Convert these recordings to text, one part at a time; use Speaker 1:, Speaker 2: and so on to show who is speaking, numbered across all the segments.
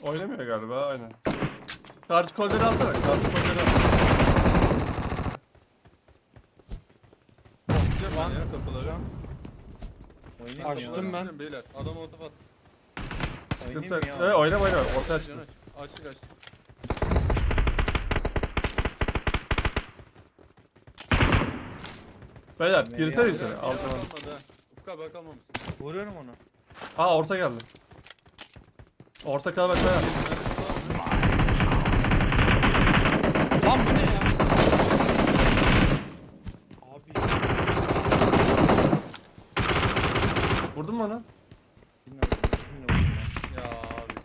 Speaker 1: Oynamıyor galiba aynen. Karşı kolları alsana. Karşı kolları al.
Speaker 2: Açacağım ben ya kapıları.
Speaker 3: Oynayayım
Speaker 4: Açtım
Speaker 3: ya.
Speaker 4: ben.
Speaker 2: Açacağım beyler. Adam otof at.
Speaker 3: Oynayayım
Speaker 1: Sıkıntı
Speaker 3: mı
Speaker 1: yok.
Speaker 3: ya?
Speaker 1: Evet oynama. Ortaya
Speaker 2: Aç,
Speaker 1: çık.
Speaker 2: açtık açtık.
Speaker 1: Beyler
Speaker 3: Nereye
Speaker 1: girter
Speaker 3: abi?
Speaker 1: içeri.
Speaker 2: Bir
Speaker 1: Altına.
Speaker 2: kalmadı ha. Ufuk abi kalmamışsın.
Speaker 3: Vuruyorum onu.
Speaker 1: Aa orta geldi. Orta kalabalık beyler.
Speaker 4: Lan bu ne ya? Abi.
Speaker 1: Vurdun mu onu?
Speaker 3: Bilmiyorum. Bizimle vurdum ya.
Speaker 2: Ya abi.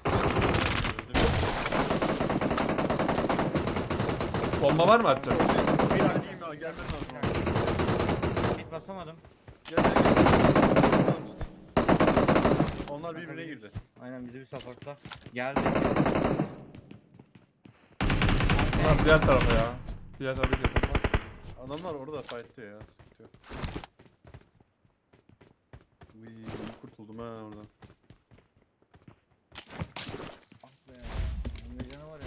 Speaker 1: Bomba var mı atacak?
Speaker 2: Bir an diyeyim ya gelmem lazım. abi.
Speaker 3: Hit basamadım.
Speaker 2: Gel gel gel. Onlar birbirine girdi.
Speaker 3: Aynen bizi bir supportla. Geldi.
Speaker 1: Lan diğer tarafa ya. Diğer tarafa gidiyor.
Speaker 2: Adamlar orada fightlıyor ya. Sıkıntı yok. Uyyy kurtuldum ha oradan.
Speaker 3: Ah be. Önde canavar ya.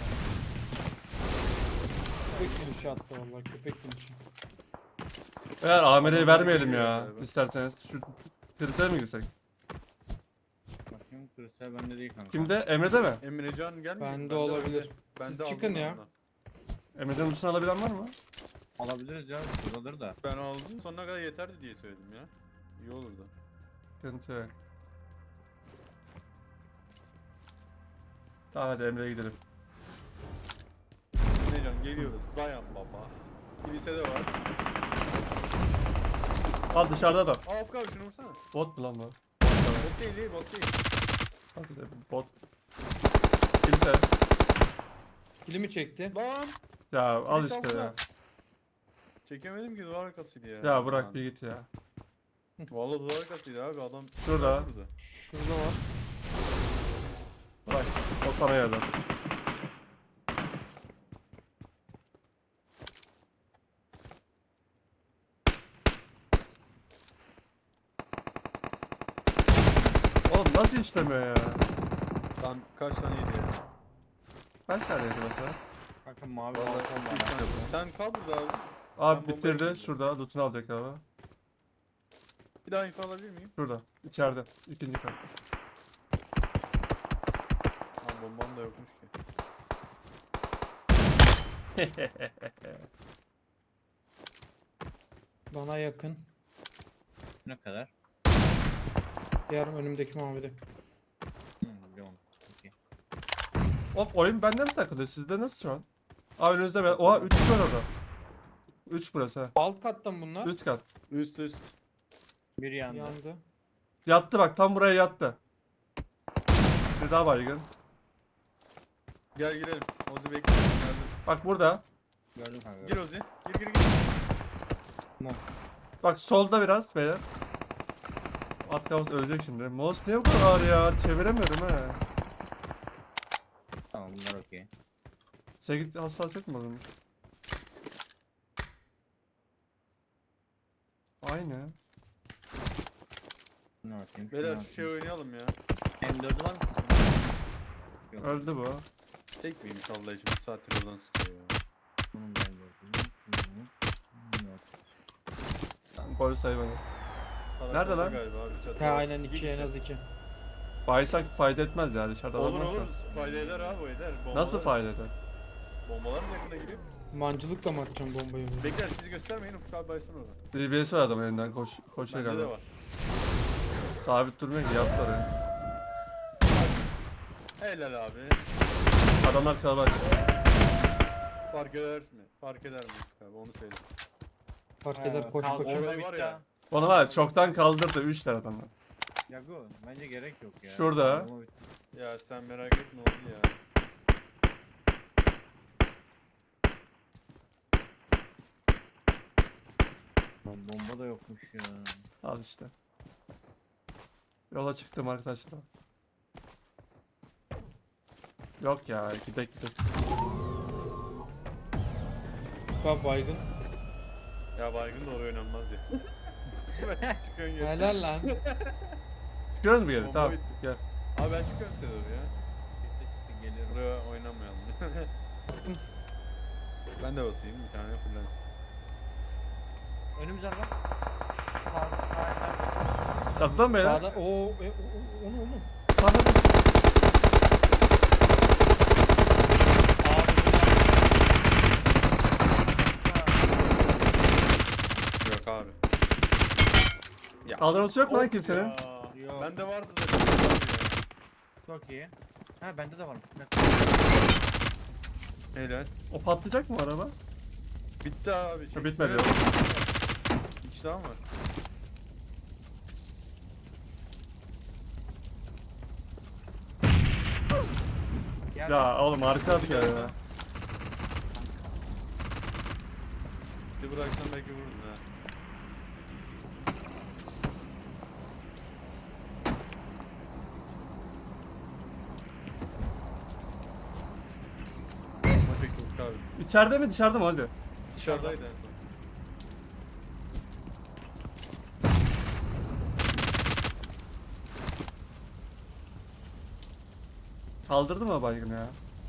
Speaker 4: Köpek finişi attı vallahi köpek finişi.
Speaker 1: Eğer Amir'e vermeyelim ya.
Speaker 2: Galiba.
Speaker 1: İsterseniz şu kırısaya mı girsek?
Speaker 3: Bakayım küresel bende değil kanka.
Speaker 1: Kimde? Emre'de mi?
Speaker 2: Emrecan gelmiyor.
Speaker 4: Bende olabilir.
Speaker 2: Bende
Speaker 4: Siz çıkın
Speaker 2: aldım
Speaker 4: ya.
Speaker 2: ondan.
Speaker 1: Emre'den uçunu alabilen var mı?
Speaker 3: Alabiliriz ya. Buradadır da.
Speaker 2: Ben aldım sonuna kadar yeterdi diye söyledim ya. İyi olurdu.
Speaker 1: Sıkıntı yok. Tamam hadi Emre'ye gidelim.
Speaker 2: Emrecan geliyoruz. Dayan baba. Kilise de var.
Speaker 1: Al dışarıda da.
Speaker 2: Aa Ufuk abi şunu vursana.
Speaker 1: Bot mu lan bu?
Speaker 2: Bot değil değil bot değil.
Speaker 1: Hadi de bot. Kimse.
Speaker 4: Kilimi çekti.
Speaker 2: Lan.
Speaker 1: Ya al
Speaker 2: Kilit
Speaker 1: işte
Speaker 2: alsana.
Speaker 1: ya.
Speaker 2: Çekemedim ki duvar arkasıydı ya.
Speaker 1: Ya bırak
Speaker 2: Lan.
Speaker 1: bir git ya.
Speaker 2: Vallahi duvar arkasıydı abi adam.
Speaker 1: Şurada.
Speaker 2: Burada.
Speaker 4: Şurada var.
Speaker 1: Bırak. O sana yerden. Oğlum nasıl işlemiyor ya?
Speaker 2: Lan kaç taneydi ya?
Speaker 1: Kaç taneydi mesela?
Speaker 3: Kanka mavi
Speaker 2: Vallahi
Speaker 3: balkon var.
Speaker 2: üç tane. Sen kal burada abi.
Speaker 1: Abi
Speaker 2: Ben bombayı
Speaker 1: bitirdi.
Speaker 2: yedim.
Speaker 1: Şurada. Loot'unu alacak abi.
Speaker 2: Bir daha info alabilir miyim?
Speaker 1: Şurada. İçeride. İkinci kat.
Speaker 2: Lan bombam da yokmuş ki.
Speaker 4: Bana yakın.
Speaker 3: Ne kadar?
Speaker 4: Diğer önümdeki mavide.
Speaker 3: Biliyorum. Okey.
Speaker 1: Hop oyun bende mi takılıyor? Sizde nasıl şu an? Abi önünüzde ben. Oha 3 var orada. 3 burası ha.
Speaker 4: Alt kattan bunlar.
Speaker 1: 3 kat.
Speaker 2: Üst üst.
Speaker 3: Bir yandı.
Speaker 4: Yandı.
Speaker 1: Yattı bak tam buraya yattı. Bir daha baygın.
Speaker 2: Gel girelim. Ozi bekliyorum geldim.
Speaker 1: Bak burada.
Speaker 3: Gördüm kanka.
Speaker 2: Gir Ozi. Gir gir gir.
Speaker 1: Bak solda biraz beyler. At kavus ölecek şimdi. Mouse niye bu kadar ağır ya? Çeviremiyorum he.
Speaker 3: Tamam bunlar okey.
Speaker 1: 8 hassasiyet mi olmuş? Aynı.
Speaker 3: Ne atayım?
Speaker 2: Beyler şu şey oynayalım ya.
Speaker 3: M4 var mı? Yok.
Speaker 1: Öldü bu.
Speaker 2: Tek miymiş Allah için bir saattir oradan sıkıyor ya.
Speaker 3: Bunun da M4'ü. Yok.
Speaker 1: Gol saymadı.
Speaker 2: Para
Speaker 1: Nerede
Speaker 2: orada
Speaker 1: lan?
Speaker 2: Galiba abi. çatı
Speaker 4: He
Speaker 2: var.
Speaker 4: aynen
Speaker 2: İki
Speaker 4: 2 en
Speaker 2: kişi.
Speaker 4: az 2.
Speaker 1: Baysak fayda etmez ya dışarıda
Speaker 2: Olur
Speaker 1: adam varsa.
Speaker 2: olur. Fayda eder abi o eder.
Speaker 1: Nasıl
Speaker 2: Bombalar-
Speaker 1: fayda eder?
Speaker 2: Bombalar mı yakına giriyor?
Speaker 4: Mancılıkla mı atacağım bombayı?
Speaker 2: Bekler sizi göstermeyin Ufuk abi baysın oradan.
Speaker 1: DBS var adam elinden koşuyor
Speaker 2: Bende de
Speaker 1: galiba.
Speaker 2: var.
Speaker 1: Sabit durmuyor ki yaptı oraya.
Speaker 2: Helal abi.
Speaker 1: Adamlar kalabalık.
Speaker 2: Fark eder mi? Fark eder mi Ufuk abi onu söyle.
Speaker 4: Fark eder koş
Speaker 3: Kalk
Speaker 4: koş.
Speaker 2: Orayı
Speaker 3: orada
Speaker 2: var
Speaker 3: bitti
Speaker 2: ya.
Speaker 3: ha.
Speaker 1: Onu var ya, çoktan kaldırdı 3 tane adamlar.
Speaker 3: Yago bence gerek yok ya.
Speaker 1: Şurada.
Speaker 3: Ama bitti.
Speaker 2: Ya sen merak etme oldu ya.
Speaker 3: Lan bomba da yokmuş ya.
Speaker 1: Al işte. Yola çıktım arkadaşlar. Yok ya gidek.
Speaker 4: Bak baygın.
Speaker 2: Ya baygın da oraya oynanmaz ya. Çıkıyorsun geri.
Speaker 4: Helal lan.
Speaker 1: Çıkıyoruz mu geri?
Speaker 2: Bomba
Speaker 1: Tamam
Speaker 2: bitti.
Speaker 1: gel.
Speaker 2: Abi ben çıkıyorum size doğru ya.
Speaker 3: Çıktı çıktı Geliyorum.
Speaker 2: Buraya oynamayalım.
Speaker 4: Bastım.
Speaker 2: Ben de basayım bir tane fullensin.
Speaker 3: Önümüzden lan. Sağ eller.
Speaker 1: Kaptan beyler.
Speaker 4: Sağda. O ne oğlum?
Speaker 1: Sağda.
Speaker 2: Yok abi. Ya.
Speaker 1: Kaldırması yok mu lan kimsenin?
Speaker 3: Yok.
Speaker 2: Bende vardı da.
Speaker 3: Çok iyi. Ha bende de varmış.
Speaker 2: Helal.
Speaker 1: O patlayacak mı araba?
Speaker 2: Bitti abi.
Speaker 1: Ha, bitmedi.
Speaker 2: Evet. Bir kişi daha mı var?
Speaker 3: Gel.
Speaker 1: Ya oğlum arka at ya.
Speaker 2: Bir bıraksan belki vururdun ha. Ama tek yok abi.
Speaker 1: İçeride mi dışarıda mı hadi?
Speaker 2: Dışarıdaydı en son.
Speaker 1: Kaldırdı mı baygın ya?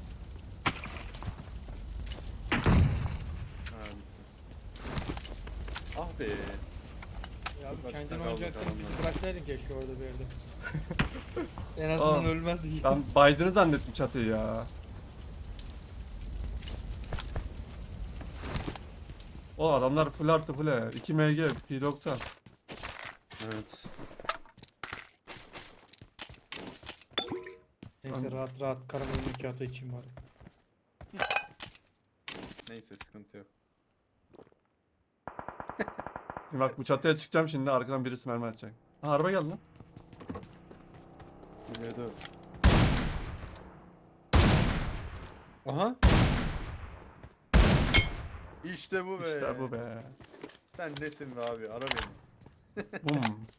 Speaker 2: Ha bitti. Ah be.
Speaker 4: Ya abi
Speaker 2: Bak,
Speaker 4: kendin
Speaker 2: kaldı
Speaker 4: oynayacaktın
Speaker 2: kalanlar.
Speaker 4: bizi bıraksaydın keşke orada bir yerde. En azından
Speaker 1: Aa.
Speaker 4: ölmezdik.
Speaker 1: Ben baydığını zannettim çatıyı ya. O adamlar full artı full. 2 MG, P90.
Speaker 2: Evet.
Speaker 4: Neyse rahat rahat karamel macchiato içeyim bari.
Speaker 2: Neyse sıkıntı yok.
Speaker 1: Şimdi bak bu çatıya çıkacağım şimdi arkadan birisi mermi atacak. Ha araba geldi lan.
Speaker 2: Buraya da. Aha. İşte bu be.
Speaker 1: İşte bu be.
Speaker 2: Sen nesin be abi? Ara beni.
Speaker 1: Bum.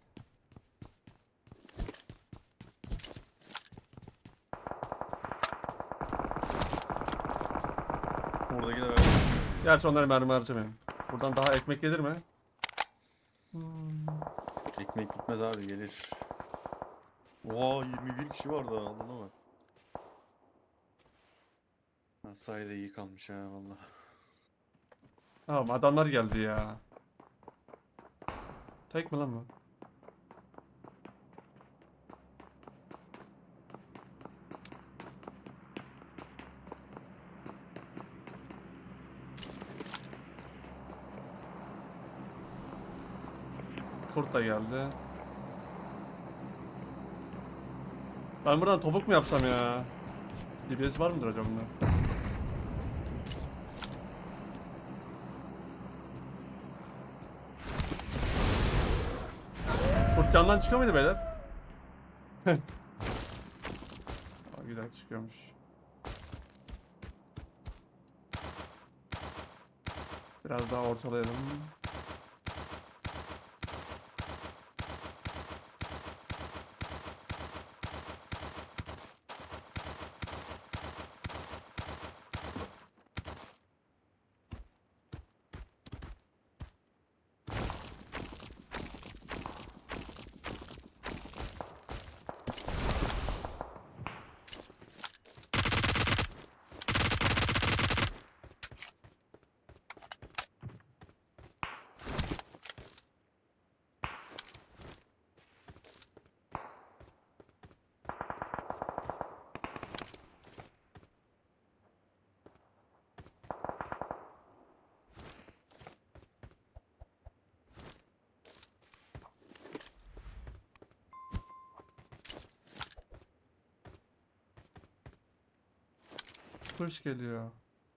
Speaker 2: Oradakiler ara.
Speaker 1: Gerçi onları mermi harcamayayım. Buradan daha ekmek gelir mi? Hmm.
Speaker 2: Ekmek gitmez abi gelir. Oha 21 kişi var daha alana bak. Ha, sahide iyi kalmış ha valla.
Speaker 1: Tamam adamlar geldi ya. Tek mi lan bu? Kurt da geldi. Ben buradan topuk mu yapsam ya? DBS var mıdır acaba bunda? Kurt camdan çıkıyor muydu beyler? Aa, güzel çıkıyormuş. Biraz daha ortalayalım. Push geliyor.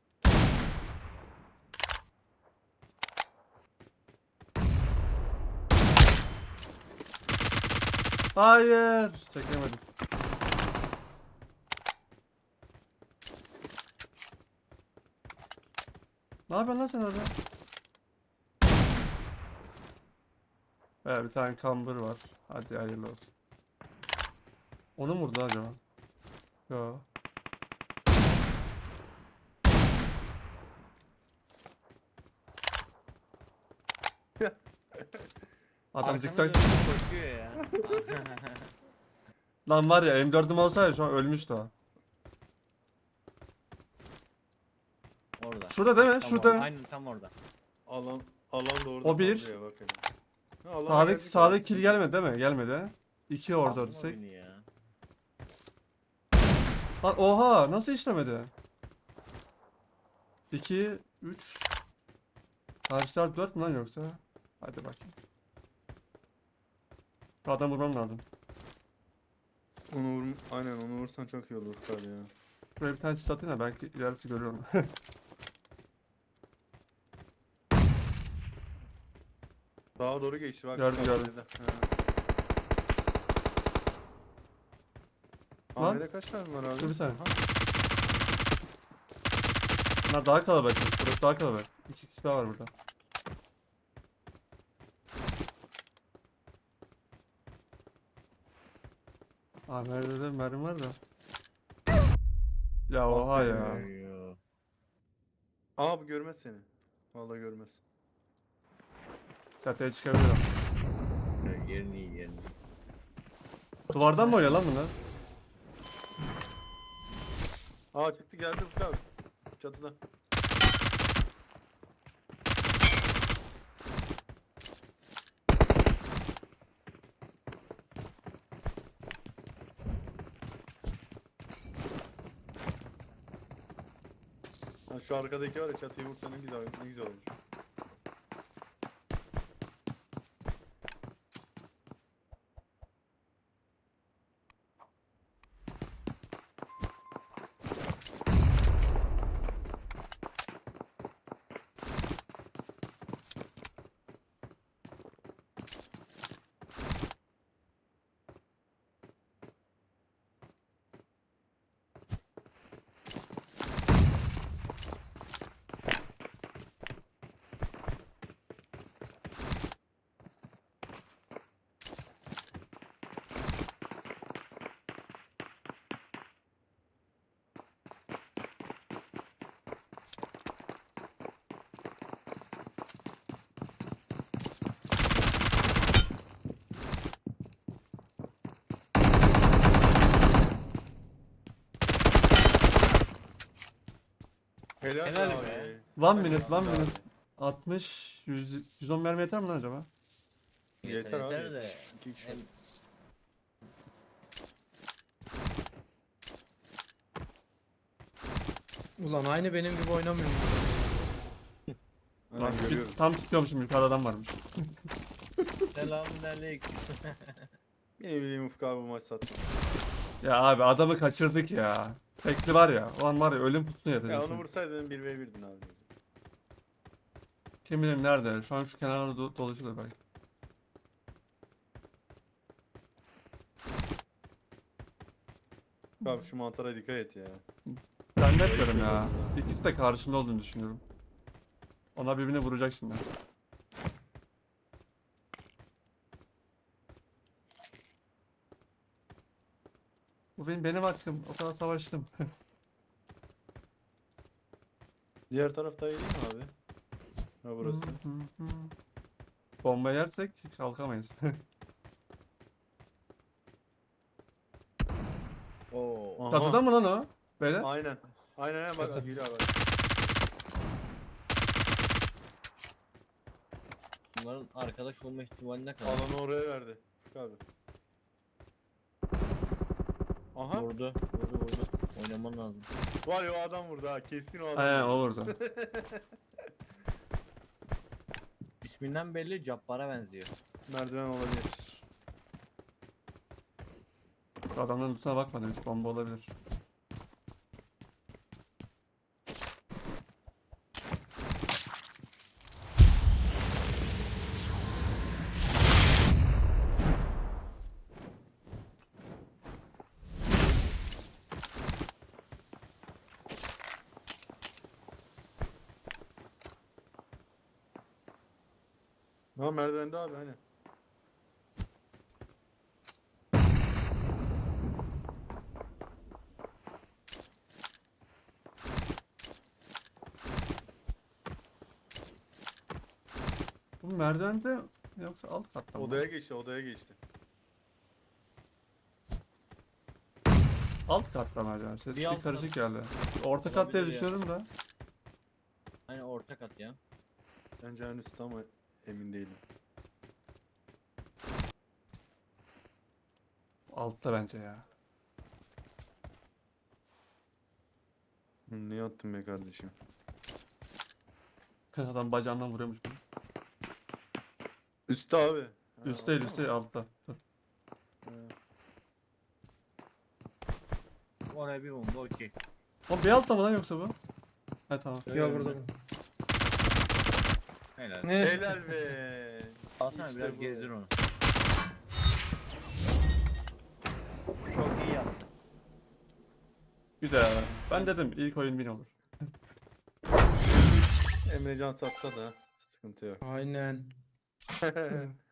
Speaker 1: Hayır, çekemedim. Ne yapıyorsun lan sen orada? Bir tane kambur var. Hadi hayırlı olsun. Onu mu vurdu acaba? Yo. Adam
Speaker 3: Arkanı
Speaker 1: zikzak.
Speaker 3: dönüp koşuyor ya.
Speaker 1: Lan var ya M4'üm olsaydı şu an ölmüştü o. Şurada değil mi?
Speaker 3: Tam
Speaker 1: Şurada.
Speaker 3: orada. Aynen tam orada.
Speaker 2: Alan da orada
Speaker 1: O bir.
Speaker 2: kaldı ya, bak hele. Ha, alana
Speaker 1: Sağdaki,
Speaker 2: geldik
Speaker 1: sağdaki
Speaker 2: abi.
Speaker 1: kill gelmedi değil mi? Gelmedi. 2 orada
Speaker 3: Aldım o
Speaker 1: örsek.
Speaker 3: beni ya.
Speaker 1: Lan oha nasıl işlemedi? 2, 3. Karşı taraf 4 mü lan yoksa? Hadi bakayım. Şu adam vurmam lazım.
Speaker 2: Aynen onu vursan çok iyi olur Furkan ya.
Speaker 1: Şuraya bir tane sis atayım da belki ilerisi görüyorum.
Speaker 2: Sağa doğru geçti bak.
Speaker 1: Gördüm,
Speaker 2: bak,
Speaker 1: gördüm.
Speaker 2: şeyde. Ha.
Speaker 1: Lan.
Speaker 2: Ahmet'e kaç tane var abi?
Speaker 1: Dur bir saniye.
Speaker 2: Aha.
Speaker 1: Bunlar daha kalabalık. Burası daha kalabalık. 2 kişi daha var burada. Aa merdiven mermi var da. Ya oha ya.
Speaker 3: Yo.
Speaker 2: Aa bu görmez seni. Vallahi görmez.
Speaker 1: Çatıya çıkabilirim.
Speaker 3: Yerini iyi yerini.
Speaker 1: Duvardan mı oynuyor lan bunlar?
Speaker 2: Aa çıktı geldi Furkan abi. Çatıda. Ha, şu arkadaki var ya, çatıyı vursa ne güzel olur. Helal,
Speaker 3: Helal
Speaker 2: abi.
Speaker 3: be.
Speaker 1: 1
Speaker 2: Sen
Speaker 1: minute, 1
Speaker 2: iyisin abi.
Speaker 1: minute. 60, 100, 110 mermi yeter mi lan acaba?
Speaker 2: Yeter abi.
Speaker 3: Yeter de.
Speaker 2: İki kişi.
Speaker 3: El-
Speaker 4: Ulan aynı benim gibi oynamıyor.
Speaker 2: Aynen,
Speaker 1: Bak,
Speaker 2: görüyoruz.
Speaker 1: tam tutuyormuşum yukarıda adam varmış.
Speaker 3: Selamünaleyküm.
Speaker 2: Benim bildiğim Ufuk abi bu maç sattı.
Speaker 1: Ya abi adamı kaçırdık ya. Tekli var ya. O an var ya ölüm putusuna
Speaker 2: Ya
Speaker 1: yatacak.
Speaker 2: onu vursaydın 1v1'din abi.
Speaker 1: Kim bilir nerede? Şu an şu kenarda dolaşıyorlar belki.
Speaker 2: Abi şu mantara dikkat et ya.
Speaker 1: Ben net diyorum ya. İkisi de karşımda olduğunu düşünüyorum. Onlar birbirini vuracak şimdi. Bu benim hakkım. O kadar savaştım.
Speaker 2: Diğer taraf daha iyi değil mi abi? Ha burası.
Speaker 1: Bomba yersek hiç kalkamayız.
Speaker 3: Oo.
Speaker 2: Aha.
Speaker 1: Çatıda mı lan o? Böyle.
Speaker 2: Aynen. Aynen bak
Speaker 4: Çatı.
Speaker 2: geliyor bak.
Speaker 3: Bunların arkadaş olma ihtimali ne kadar?
Speaker 2: Alanı oraya verdi. Ufuk abi. Aha.
Speaker 3: Vurdu. Oynaman lazım.
Speaker 2: Var ya o adam vurdu ha. Kesin o adam.
Speaker 1: Aynen
Speaker 2: vurdu.
Speaker 1: o vurdu.
Speaker 3: İsminden belli Cabbar'a benziyor.
Speaker 2: Merdiven olabilir.
Speaker 1: Şu adamların üstüne bakmadım. Hiç bomba olabilir.
Speaker 2: Ha merdivende abi hani.
Speaker 1: Bu merdivende yoksa alt katta mı?
Speaker 2: Odaya geçti, odaya geçti.
Speaker 1: Alt katta merdiven. Ses
Speaker 3: Bir
Speaker 1: bir
Speaker 3: alt
Speaker 1: karışık geldi. Orta kat diye
Speaker 3: Olabilir ya.
Speaker 1: düşünüyorum da.
Speaker 3: ya.
Speaker 2: Bence en üstte ama emin değilim.
Speaker 1: Altta bence ya.
Speaker 2: Niye attın be kardeşim?
Speaker 1: Adam bacağından vuruyormuş bunu.
Speaker 2: Üstte abi. Ha,
Speaker 1: Üstte değil,
Speaker 2: altta
Speaker 1: üstte
Speaker 2: mı?
Speaker 1: değil, altta. Dur.
Speaker 2: Ha.
Speaker 3: Oraya bir bomba okey.
Speaker 1: Oğlum bir altta mı lan yoksa bu? Ha tamam.
Speaker 4: Ya burada.
Speaker 3: Helal.
Speaker 4: Ne?
Speaker 2: Helal be.
Speaker 3: Alsana
Speaker 2: İşte
Speaker 3: biraz
Speaker 2: bu.
Speaker 3: gezdir onu. Çok iyi yaptın.
Speaker 1: Güzel. Ben dedim ilk oyun win olur.
Speaker 2: Emrecan satsa da sıkıntı yok.
Speaker 4: Aynen.